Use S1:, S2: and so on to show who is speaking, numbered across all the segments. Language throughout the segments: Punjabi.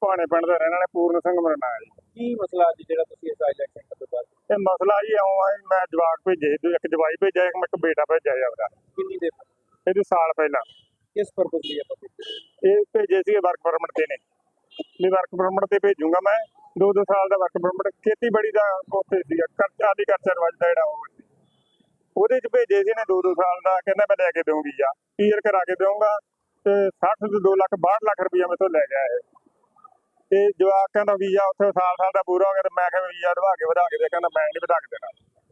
S1: ਭਾਣੇ ਪਿੰਡ ਦਾ ਰਹਿਣ ਵਾਲੇ ਪੂਰਨ ਸਿੰਘ ਮੇਰਾ ਨਾਂ ਹੈ ਜੀ।
S2: ਕੀ ਮਸਲਾ ਅੱਜ ਜਿਹੜਾ ਤੁਸੀਂ ਇਸ ਇਲੈਕਸ਼ਨ ਤੋਂ ਬਾਅਦ
S1: ਇਹ ਮਸਲਾ ਜੀ ਇਉਂ ਆ ਜੀ, ਮੈਂ ਜਵਾਕ ਭੇਜੇ, ਇੱਕ ਜਵਾਈ ਭੇਜਿਆ, ਇੱਕ ਬੇਟਾ ਭੇਜਿਆ ਜੀ ਆਪਦਾ।
S2: ਕਿੰਨੀ ਦੇਰ
S1: ਇਹਦੇ ਸਾਲ ਪਹਿਲਾਂ
S2: ਕਿਸ ਪਰਪਸ ਲਈ ਆਪਾਂ ਭੇਜੇ?
S1: ਇਹ ਭੇਜੇ ਸੀਗੇ ਵਰਕ ਪਰਮਿਟ ਤੇ ਨੇ, ਵੀ ਵਰਕ ਪਰਮਿਟ ਤੇ ਭੇਜੂਗਾ ਮੈਂ। 2 ਸਾਲ ਦਾ ਵਰਕ ਪਰਮਿਟ, ਖੇਤੀਬਾੜੀ ਦਾ ਉੱਥੇ ਸੀਗਾ, ਆਰਟੀਕਲਚਰ ਵੱਜਦਾ ਜਿਹੜਾ ਉਹ ਸੀ। ਉਹਦੇ ਚ ਭੇਜੇ ਸੀ ਨੇ 2 ਸਾਲ ਦਾ, ਕਹਿੰਦਾ ਮੈਂ ਲੈ ਕੇ ਦਊਂ ਵੀਜ਼ਾ, ਕਲੀਅਰ ਕਰਾ ਕੇ ਦਊਂਗਾ ਤੇ 60 ਤੋਂ 2 ਲੱਖ 62 ਲੱਖ ਰੁਪਇਆ ਮੇਰੇ ਤੋਂ ਲੈ ਗਿਆ ਇਹ। ਤੇ ਜਵਾਕ ਕਹਿੰਦਾ ਵੀਜ਼ਾ ਉੱਥੇ ਸਾਲ ਦਾ ਪੂਰਾ ਹੋ ਗਿਆ, ਤੇ ਮੈਂ ਕਿਹਾ ਵੀਜ਼ਾ ਵਧਾ ਕੇ ਦੇ, ਕਹਿੰਦਾ ਮੈਂ ਨਹੀਂ ਵਧਾ ਕੇ ਦੇਣਾ।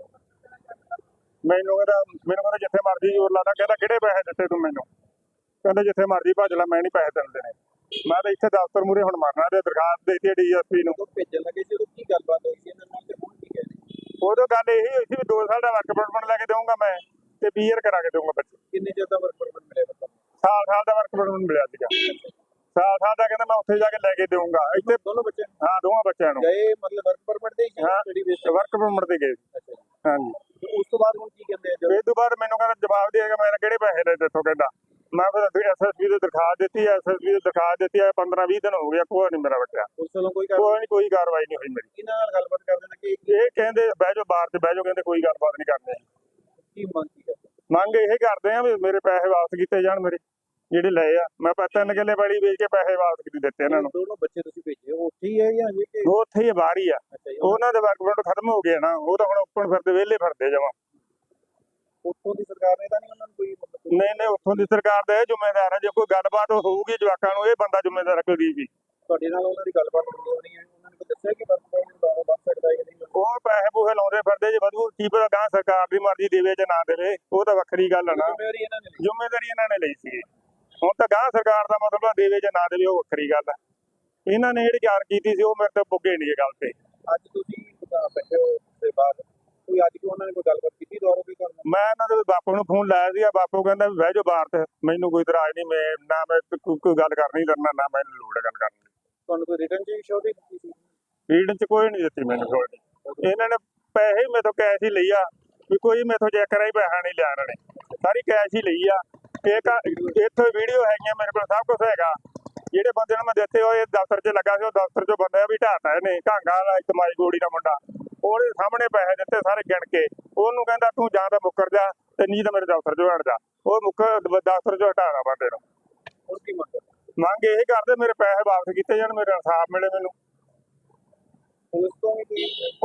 S1: ਮੈਨੂੰ ਕਹਿੰਦਾ ਜਿੱਥੇ ਮਰਜ਼ੀ ਜ਼ੋਰ ਲਾਦਾ, ਕਹਿੰਦਾ ਕਿਹੜੇ ਪੈਸੇ ਦਿੱਤੇ ਤੂੰ ਮੈਨੂੰ, ਕਹਿੰਦਾ ਜਿੱਥੇ ਮਰਜ਼ੀ ਭੱਜ ਲੈ, ਮੈਂ ਨਹੀਂ ਪੈਸੇ ਦਿੰਦੇ ਨੇ। ਮੈਂ ਤਾਂ ਇੱਥੇ ਦਫ਼ਤਰ ਮੂਹਰੇ ਹੁਣ ਮਰਨਾ, ਤੇ ਦਰਖਾਸਤ ਦੇ ਦਿੱਤੀ DSP ਨੂੰ।
S2: ਭੇਜਣ ਲੱਗੇ ਸੀ ਕੀ ਗੱਲਬਾਤ ਹੋਈ ਸੀ ਇਹਨਾਂ ਨਾਲ ਤੇ ਹੁਣ ਕੀ ਕਹਿੰਦੇ?
S1: ਉਦੋਂ ਗੱਲ ਇਹੀ ਹੋਈ ਸੀ ਵੀ 2 ਸਾਲ ਦਾ ਵਰਕ ਪਰਮਿਟ ਲੈ ਕੇ ਦਊਂਗਾ ਮੈਂ, ਤੇ ਕਲੀਅਰ ਕਰਾ ਕੇ ਦਊਂਗਾ ਬੱਚੇ।
S2: ਕਿੰਨੇ ਚਿਰ ਦਾ ਵਰਕ ਪਰਮਿਟ ਮਿਲਿਆ ਤੁਹਾਨੂੰ?
S1: ਸਾਲ ਦਾ ਵਰਕ ਪਰਮਿਟ ਮਿਲਿਆ ਸੀਗਾ। ਸਾਲ ਦਾ ਕਹਿੰਦਾ ਮੈਂ ਉੱਥੇ ਜਾ ਕੇ ਲੈ ਕੇ ਦਊਂਗਾ। ਇੱਥੇ
S2: ਦੋਨੋਂ ਬੱਚੇ?
S1: ਹਾਂ, ਦੋਵਾਂ ਬੱਚਿਆਂ ਨੂੰ
S2: ਗਏ ਮਤਲਬ ਵਰਕ ਪਰਮਿਟ ਦੇ ਹੀ ਸਟੱਡੀ ਬੇਸ ਤੇ?
S1: ਵਰਕ ਪਰਮਿਟ ਤੇ ਗਏ।
S2: ਅੱਛਾ ਜੀ।
S1: ਹਾਂਜੀ।
S2: ਉਸ ਤੋਂ ਬਾਅਦ ਹੁਣ ਕੀ ਕਹਿੰਦੇ ਆ?
S1: ਇਸ ਤੋਂ ਬਾਅਦ ਮੈਨੂੰ ਕਹਿੰਦਾ ਜਵਾਬ ਦੇਗਾ, ਮੈਂ ਕਿਹੜੇ ਪੈਸੇ ਲੈ ਦਿੱਤੋਂ, ਕਹਿੰਦਾ ਮੈਂ ਫਿਰ SSB ਦੀ ਦਰਖਾਸਤ ਦਿੱਤੀ, SSB ਦੀ ਦਰਖਾਸਤ ਦਿੱਤੀ ਹੈ, 15-20 ਦਿਨ ਹੋ ਗਿਆ, ਕੋਈ ਨਹੀਂ ਮੇਰਾ ਬੱਚਾ।
S2: ਉਸ ਵੱਲੋਂ ਕੋਈ
S1: ਕੋਈ ਕਾਰਵਾਈ ਨਹੀਂ ਹੋਈ ਮੇਰੀ।
S2: ਇਹਨਾਂ ਨਾਲ ਗੱਲਬਾਤ ਕਰਦੇ ਨੇ ਕਿ
S1: ਇਹ ਕਹਿੰਦੇ ਬਹਿ ਜਾਓ ਬਾਹਰ ਤੇ ਬਹਿ ਜਾਓ, ਕਹਿੰਦੇ ਕੋਈ ਗੱਲਬਾਤ ਨਹੀਂ ਕਰਨੀ।
S2: ਕੀ ਮੰਗ ਕੀ ਕਰਦੇ?
S1: ਮੰਗ ਇਹ ਕਰਦੇ ਆ ਵੀ ਮੇਰੇ ਪੈਸੇ ਵਾਪਸ ਕੀਤੇ ਜਾਣ, ਮੇਰੇ ਜਿਹੜੇ ਲਏ ਆ। ਮੈਂ 3 ਕਿੱਲੇ ਪੈਲੀ ਵੇਚ ਕੇ ਪੈਸੇ ਵਾਪਸ ਕੀਤੀ ਦਿੱਤੇ ਇਹਨਾਂ ਨੂੰ।
S2: ਦੋਨੋਂ ਬੱਚੇ ਤੁਸੀਂ ਭੇਜੇ ਉੱਥੇ ਹੀ ਹੈ ਜਾਂ ਹਜੇ ਕਿ?
S1: ਉਹ ਉੱਥੇ ਹੀ ਬਾਹਰ ਹੀ ਆ। ਉਹਨਾਂ ਦੇ ਵਰਕ ਪਰਮਿਟ ਖਤਮ ਹੋ ਗਏ ਨਾ, ਉਹ ਤਾਂ ਹੁਣ ਓਪਨ ਫਿਰਦੇ, ਵਿਹਲੇ ਫਿਰਦੇ ਜਮਾਂ।
S2: ਉੱਥੋਂ ਦੀ ਸਰਕਾਰ ਨੇ ਤਾਂ ਨਹੀਂ ਉਹਨਾਂ ਨੂੰ ਕੋਈ ਮਤਲਬ?
S1: ਨਹੀਂ, ਉੱਥੋਂ ਦੀ ਸਰਕਾਰ ਦਾ ਇਹ ਜ਼ਿੰਮੇਦਾਰ ਹੈ। ਜੇ ਕੋਈ ਗੱਲਬਾਤ ਹੋਊਗੀ ਜਵਾਕਾਂ ਨੂੰ, ਇਹ ਬੰਦਾ ਜ਼ਿੰਮੇਦਾਰ ਰੱਖੇਗੀ ਜੀ।
S2: ਤੁਹਾਡੇ ਨਾਲ ਉਹਨਾਂ ਦੀ ਗੱਲਬਾਤ ਹੋਣੀ ਹੈ, ਉਹਨਾਂ ਨੇ ਕੋਈ ਦੱਸਿਆ ਕਿ ਵਰਕ ਪਰਮਿਟ ਵੱਧ ਸਕਦਾ ਹੈ ਕਿ ਨਹੀਂ?
S1: ਉਹ ਪੈਸੇ ਪੂਸੇ ਲਾਉਂਦੇ ਫਿਰਦੇ, ਜੇ ਵਧੂ ਕੀ ਪਤਾ ਗਾਂ ਸਰਕਾਰ ਦੀ ਮਰਜ਼ੀ ਦੇਵੇ ਜਾਂ ਨਾ ਦੇਵੇ, ਉਹ ਤਾਂ ਵੱਖਰੀ ਗੱਲ ਹੈ ਨਾ। ਜ਼ਿੰਮੇਵਾਰੀ ਇਹਨਾਂ ਨੇ ਲਈ ਸੀ। ਹੁਣ ਤਾਂ ਗਾਂ ਸਰਕਾਰ ਦਾ ਮਤਲਬ ਦੇਵੇ ਜਾਂ ਨਾ ਦੇਵੇ, ਉਹ ਵੱਖਰੀ ਗੱਲ ਹੈ। ਇਹਨਾਂ ਨੇ ਜਿਹੜੀ ਜਾਣ ਕੀਤੀ ਸੀ, ਉਹ ਮੇਰੇ ਤੋਂ ਪੁੱਗੇ ਨਹੀਂ ਇਹ ਗੱਲ ਤੇ।
S2: ਅੱਜ ਤੁਸੀਂ ਬੈਠੇ ਹੋ ਤੇ ਬਾਅਦ ਕੋਈ ਅੱਜ ਕਿ ਉਹਨਾਂ ਨੇ ਕੋਈ ਗੱਲਬਾਤ ਕੀਤੀ ਦੁਆਰਾ ਵੀ ਤੁਹਾਨੂੰ?
S1: ਮੈਂ ਇਹਨਾਂ ਦੇ ਬਾਪੂ ਨੂੰ ਫੋਨ ਲਾਇਆ ਸੀ, ਬਾਪੂ ਕਹਿੰਦਾ ਵੀ ਬਹਿ ਜਾਓ ਬਾਹਰ ਤੇ, ਮੈਨੂੰ ਕੋਈ ਇਤਰਾਜ਼ ਨਹੀਂ, ਮੈਂ ਕੋਈ ਗੱਲ ਕਰਨੀ ਕਰਨਾ, ਨਾ ਮੈਨੂੰ ਲੋੜ ਹੈ ਗੱਲ ਕਰਨ ਦੀ।
S2: ਤੁਹਾਨੂੰ ਕੋਈ ਰਿਟਰਨ ਚ ਸ਼ੋਅ ਦਿੱਤੀ ਸੀ?
S1: ਰੀਡਨ ਚ ਕੋਈ ਨਹੀਂ ਦਿੱਤੀ ਮੈਨੂੰ ਛੋੜ। ਇਹਨਾਂ ਨੇ ਪੈਸੇ ਮੇਰੇ ਤੋਂ ਕੈਸ਼ ਹੀ ਲਈ ਆ, ਵੀ ਕੋਈ ਮੇਰੇ ਤੋਂ ਚੈੱਕ ਕਰਾ ਹੀ ਪੈਸਾ ਨਹੀਂ ਲਿਆ ਇਹਨਾਂ ਨੇ, ਸਾਰੀ ਕੈਸ਼ ਹੀ ਲਈ ਆ। ਇੱਥੇ ਵੀਡੀਓ ਹੈਗੀਆਂ ਮੇਰੇ ਕੋਲ, ਸਭ ਕੁਝ ਹੈਗਾ। ਜਿਹੜੇ ਬੰਦੇ ਨੂੰ ਮੈਂ ਦਿੱਤੇ ਹੋਏ ਦਫ਼ਤਰ 'ਚ ਲੱਗਾ ਸੀ, ਉਹ ਦਫ਼ਤਰ 'ਚੋਂ ਬੰਦਾ ਵੀ ਢਾਤਾ ਇਹਨੇ, ਘਾਂਗਾ ਵਾਲਾ ਇਤਮਾਈ ਗੋੜੀ ਦਾ ਮੁੰਡਾ, ਉਹਦੇ ਸਾਹਮਣੇ ਪੈਸੇ ਦਿੱਤੇ ਸਾਰੇ ਗਿਣ ਕੇ। ਉਹਨੂੰ ਕਹਿੰਦਾ ਤੂੰ ਜਾਂ ਤਾਂ ਮੁੱਕਰ ਜਾ, ਤੇ ਨਹੀਂ ਤਾਂ ਮੇਰੇ ਦਫ਼ਤਰ 'ਚੋਂ ਹਟ ਜਾ। ਉਹ ਦਫ਼ਤਰ 'ਚੋਂ ਹਟਾਣਾ ਬੰਦੇ ਨੂੰ।
S2: ਹੋਰ ਕੀ
S1: ਮੰਗ ਇਹ ਕਰਦੇ ਮੇਰੇ ਪੈਸੇ ਵਾਪਸ ਕੀਤੇ ਜਾਣ, ਮੇਰੇ ਇਨਸਾਫ ਮਿਲੇ ਮੈਨੂੰ। ਪੁਲਿਸ ਤੋਂ ਵੀ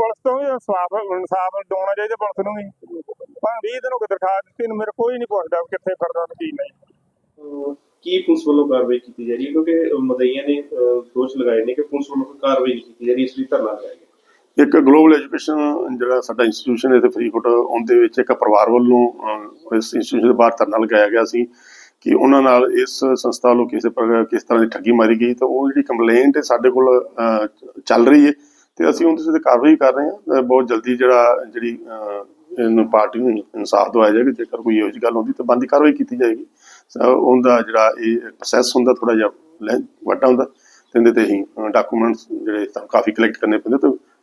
S1: ਇਨਸਾਫ ਦਿਵਾਉਣਾ ਚਾਹੀਦਾ ਪੁਲਿਸ ਨੂੰ ਵੀ। ਪਰ 20 ਦਿਨ ਹੋ ਗਏ ਦਰਖਾਸਤ ਦਿੱਤੀ ਨੂੰ, ਮੇਰੇ ਕੋਈ ਨਹੀਂ ਪੁੱਛਦਾ ਕਿੱਥੇ ਫਿਰਦਾ ਕੀ ਨਹੀਂ।
S3: ਕੀ ਪੁਲਿਸ ਵੱਲੋਂ ਕਾਰਵਾਈ ਕੀਤੀ ਜਾ ਰਹੀ ਹੈ? ਕਿਉਂਕਿ ਮਦਈਆਂ ਨੇ ਦੋਸ਼ ਲਗਾਏ ਨੇ ਕਿ ਪੁਲਿਸ ਵੱਲੋਂ ਕੋਈ ਕਾਰਵਾਈ ਨਹੀਂ ਕੀਤੀ ਜਾ ਰਹੀ, ਇਸ ਲਈ ਧਰਨਾ ਲਗਾਇਆ ਗਿਆ।
S4: ਇੱਕ ਗਲੋਬਲ ਐਜੂਕੇਸ਼ਨ ਜਿਹੜਾ ਸਾਡਾ ਇੰਸਟੀਟਿਊਸ਼ਨ ਹੈ ਇੱਥੇ ਫਰੀਦਕੋਟ, ਉਹਦੇ ਵਿੱਚ ਇੱਕ ਪਰਿਵਾਰ ਵੱਲੋਂ ਇਸ ਇੰਸਟੀਟਿਊਸ਼ਨ ਦੇ ਬਾਹਰ ਧਰਨਾ ਲਗਾਇਆ ਗਿਆ ਸੀ ਕਿ ਉਹਨਾਂ ਨਾਲ ਇਸ ਸੰਸਥਾ ਵੱਲੋਂ ਕਿਸ ਤਰ੍ਹਾਂ ਦੀ ਠੱਗੀ ਮਾਰੀ ਗਈ। ਤਾਂ ਉਹ ਜਿਹੜੀ ਕੰਪਲੇਂਟ ਸਾਡੇ ਕੋਲ ਚੱਲ ਰਹੀ ਹੈ, ਤੇ ਅਸੀਂ ਉਹਦੇ ਤੇ ਕਾਰਵਾਈ ਕਰ ਰਹੇ ਹਾਂ। ਬਹੁਤ ਜਲਦੀ ਜਿਹੜੀ ਇਹਨੂੰ ਪਾਰਟੀ ਨੂੰ ਇਨਸਾਫ ਦਵਾਇਆ ਜਾਏਗਾ। ਜੇਕਰ ਕੋਈ ਇਹੋ ਜਿਹੀ ਗੱਲ ਹੁੰਦੀ ਤਾਂ ਬਣਦੀ ਕਾਰਵਾਈ ਕੀਤੀ ਜਾਏਗੀ। ਉਹਦਾ ਜਿਹੜਾ ਇਹ ਪ੍ਰੋਸੈਸ ਹੁੰਦਾ ਥੋੜਾ ਜਿਹਾ ਵੱਡਾ ਹੁੰਦਾ, ਤੇ ਇਹਦੇ ਤੇ ਹੀ ਡਾਕੂਮੈਂਟਸ ਜਿਹੜੇ ਕਾਫੀ ਕਲੈਕਟ ਕਰਨੇ ਪੈਂਦੇ,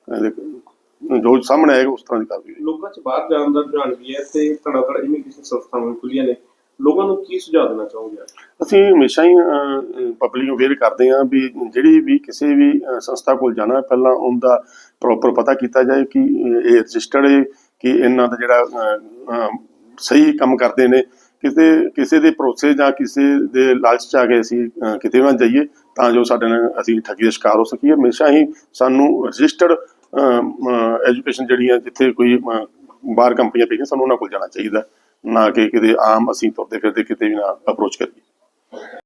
S4: ਤੇ ਜੋ ਸਾਹਮਣੇ ਆਏਗਾ ਉਸ ਤਰ੍ਹਾਂ ਦੀ ਕਾਰਵਾਈ।
S3: ਲੋਕਾਂ 'ਚ ਬਾਹਰ ਜਾਣ ਦਾ ਰੁਝਾਨ ਵੀ ਹੈ, ਤੇ ਧੜਾ ਇਮੀਗ੍ਰੇਸ਼ਨ ਸੰਸਥਾਵਾਂ ਖੁੱਲੀਆਂ ਨੇ, ਲੋਕਾਂ ਨੂੰ ਕੀ ਸੁਝਾਅ ਦੇਣਾ ਚਾਹੋਗੇ? ਅਸੀਂ
S4: ਹਮੇਸ਼ਾ ਹੀ ਪਬਲਿਕ ਨੂੰ ਅਵੇਅਰ ਕਰਦੇ ਹਾਂ ਵੀ ਜਿਹੜੀ ਵੀ ਕਿਸੇ ਵੀ ਸੰਸਥਾ ਕੋਲ ਜਾਣਾ, ਪਹਿਲਾਂ ਉਹਦਾ ਪ੍ਰੋਪਰ ਪਤਾ ਕੀਤਾ ਜਾਏ ਕਿ ਇਹ ਰਜਿਸਟਰਡ ਹੈ, ਕਿ ਇਹਨਾਂ ਦਾ ਜਿਹੜਾ ਸਹੀ ਕੰਮ ਕਰਦੇ ਨੇ। ਕਿਸੇ ਦੇ ਭਰੋਸੇ ਜਾਂ ਕਿਸੇ ਦੇ ਲਾਲਚ 'ਚ ਆ ਕੇ ਅਸੀਂ ਕਿਤੇ ਨਾ ਜਾਈਏ ਤਾਂ ਜੋ ਸਾਡੇ ਨਾਲ ਅਸੀਂ ਠੱਗੀ ਦਾ ਸ਼ਿਕਾਰ ਹੋ ਸਕੀਏ। ਹਮੇਸ਼ਾ ਹੀ ਸਾਨੂੰ ਰਜਿਸਟਰਡ ਐਜੂਕੇਸ਼ਨ ਜਿਹੜੀਆਂ ਜਿੱਥੇ ਕੋਈ ਬਾਹਰ ਕੰਪਨੀਆਂ ਪਈਆਂ, ਸਾਨੂੰ ਉਹਨਾਂ ਕੋਲ ਜਾਣਾ ਚਾਹੀਦਾ, ਨਾ ਕਿ ਕਿਤੇ ਆਮ ਅਸੀਂ ਤੁਰਦੇ ਫਿਰਦੇ ਕਿਤੇ ਵੀ ਨਾ ਅਪਰੋਚ ਕਰੀਏ।